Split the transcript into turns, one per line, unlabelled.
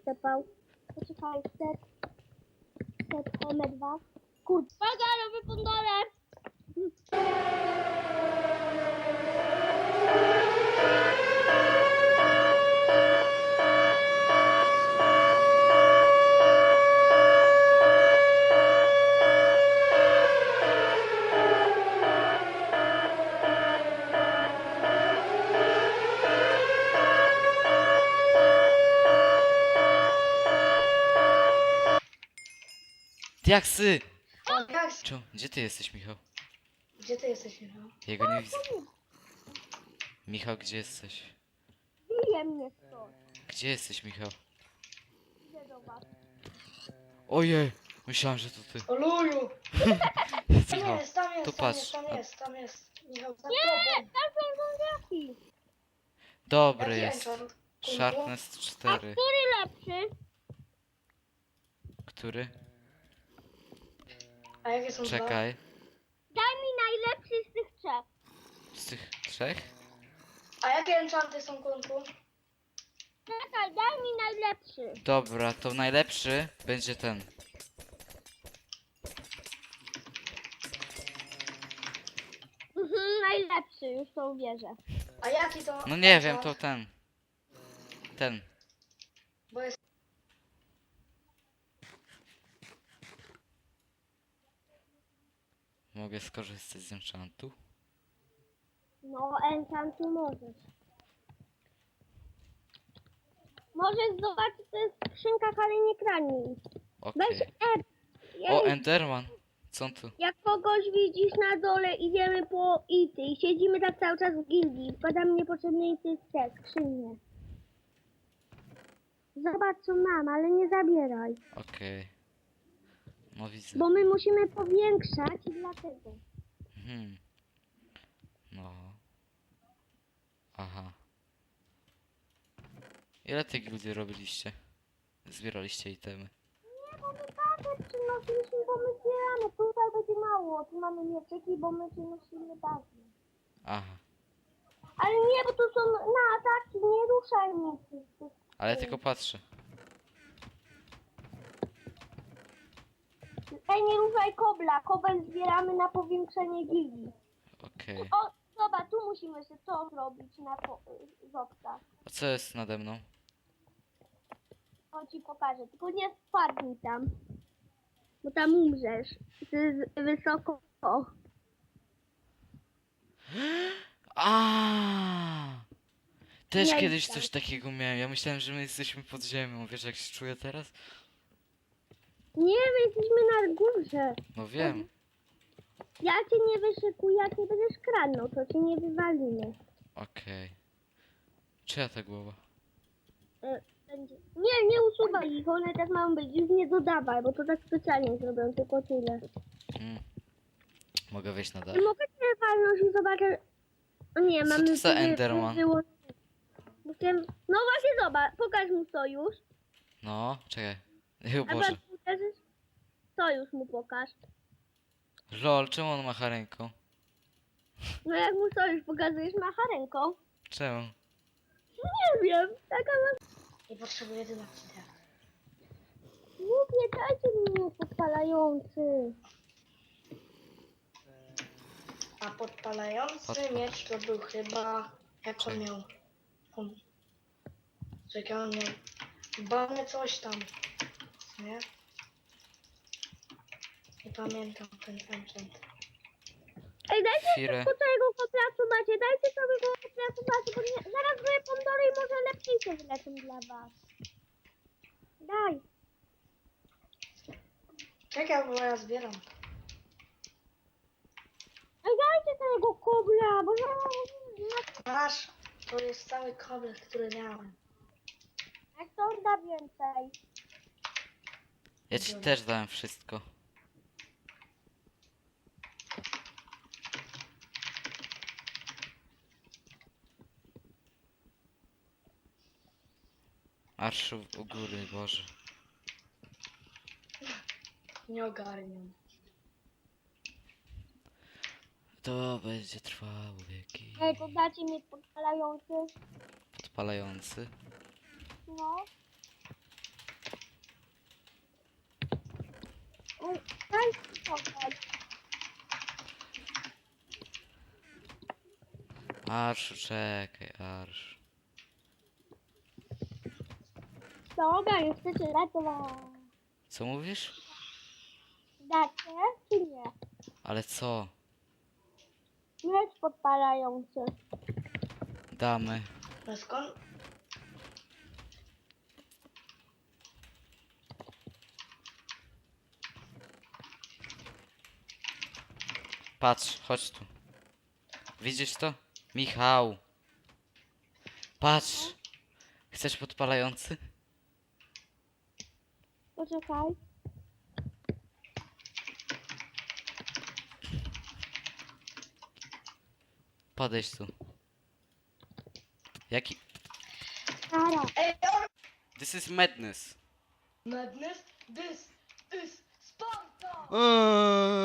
stepał. Poczekaj, step M2. Kurde, nowy pundolec!
Diaksy!
O, jak?
Gdzie ty jesteś, Michał?
Gdzie ty jesteś, Michał?
Ja go nie widzę. Michał, gdzie jesteś?
Bije mnie stąd.
Gdzie jesteś, Michał?
Idę do was.
Ojej! Myślałem, że to ty.
O luju! Tam
Michał,
jest, tam
tu
jest, tam
patrz.
jest, tam jest, tam jest. Michał, za
Nie,
tobą.
tam są zombiaki.
Dobry
Jaki
jest.
enchant?
Sharpness
A
4.
który lepszy?
Który?
A jakie są dwa?
Czekaj.
Daj mi najlepszy z tych trzech.
Z tych trzech?
A jakie enchanty są, Kunku?
Czekaj, daj mi najlepszy.
Dobra, to najlepszy będzie ten.
Najlepszy, już to uwierzę.
A jaki to?
No nie wiem,
enchant?
to ten. Ten.
Bo jest...
Mogę skorzystać z enchantu?
No, enchantu możesz. Możesz zobaczyć, to jest w skrzynkach, ale nie kradnij. Weź
Okej. O, Enderman. Co on tu?
Jak kogoś widzisz na dole, idziemy po ity i siedzimy tak cały czas w gildii. Wkładam niepotrzebne ity w te skrzynie. Zobacz co mam, ale nie zabieraj.
Okej. No widzę.
Bo my musimy powiększać i dlatego.
Hmm. No. Aha. Ile tych gildii robiliście? Zbieraliście itemy.
Nie, bo my bazę przynosiliśmy, bo my zbieramy. Tutaj będzie mało. Tu mamy mieczyki, bo my przynosimy bazę.
Aha.
Ale nie, bo tu są na ataki. Nie ruszaj mnie.
Ale ja tylko patrzę.
Ej, nie ruszaj kobla. Kobel zbieramy na powiększenie gildii.
Okej.
O, zobacz, tu musimy sobie to zrobić na zopcach.
A co jest nade mną?
O, ci pokażę. Tylko nie spadnij tam. Bo tam umrzesz. To jest wysoko.
A! Też
Nie
kiedyś
idź
coś takiego miałem. Ja myślałem, że my jesteśmy pod ziemią. Wiesz jak się czuję teraz?
Nie, my jesteśmy na górze.
No wiem.
Ja cię nie wyszykuję, jak nie będziesz kradnął, to cię nie wywalimy.
Okej. Czyja ta głowa?
Nie usuwaj ich, one tak mają być. Już nie dodawaj, bo to tak specjalnie zrobią, tylko tyle.
Hmm. Mogę wejść na dach?
Nie mogę cię walnąć i zobaczę... O nie,
Co
mamy...
to za Enderman?
No właśnie, zobacz, pokaż mu sojusz.
No, czekaj. O
A
Boże.
jak pokażesz, sojusz mu pokaż.
Lol, czemu on macha ręką?
No jak mu sojusz pokazujesz, macha ręką.
Czemu?
Nie wiem, taka ma...
Nie potrzebuję dynamity.
Głupie, dajcie mi podpalający.
A podpalający miecz to był chyba... Jak on miał? Czekaj, on miał... Bany coś tam. Nie? Nie pamiętam ten enchant.
Ej, dajcie
Chwilę.
po całego koplacu macie, dajcie całego koplacu macie, bo nie, zaraz były pomidorы i może lepiej się wylecą dla was. Daj.
Czekaj, bo ja zbieram.
Ej, dajcie całego kobla, bo ja...
Masz! To jest cały koblet, który miałem.
Jak to da więcej?
Ja ci też dałem wszystko. Arszu u góry, Boże.
Nie ogarniam.
To będzie trwało wieki.
Ej, to dacie mi podpalający.
Podpalający.
No. Oj, daj spokój.
Arszu, czekaj, Arsz.
Dobra, już chcecie ratować.
Co mówisz?
Dacie czy nie?
Ale co?
Miecz podpalający.
Damy.
No skąd?
Patrz, chodź tu. Widzisz to? Michał. Patrz. Chcesz podpalający?
Poczekaj.
Podejdź tu. Jaki?
Ara.
Ej,
This is madness.
madness? This is Sparta!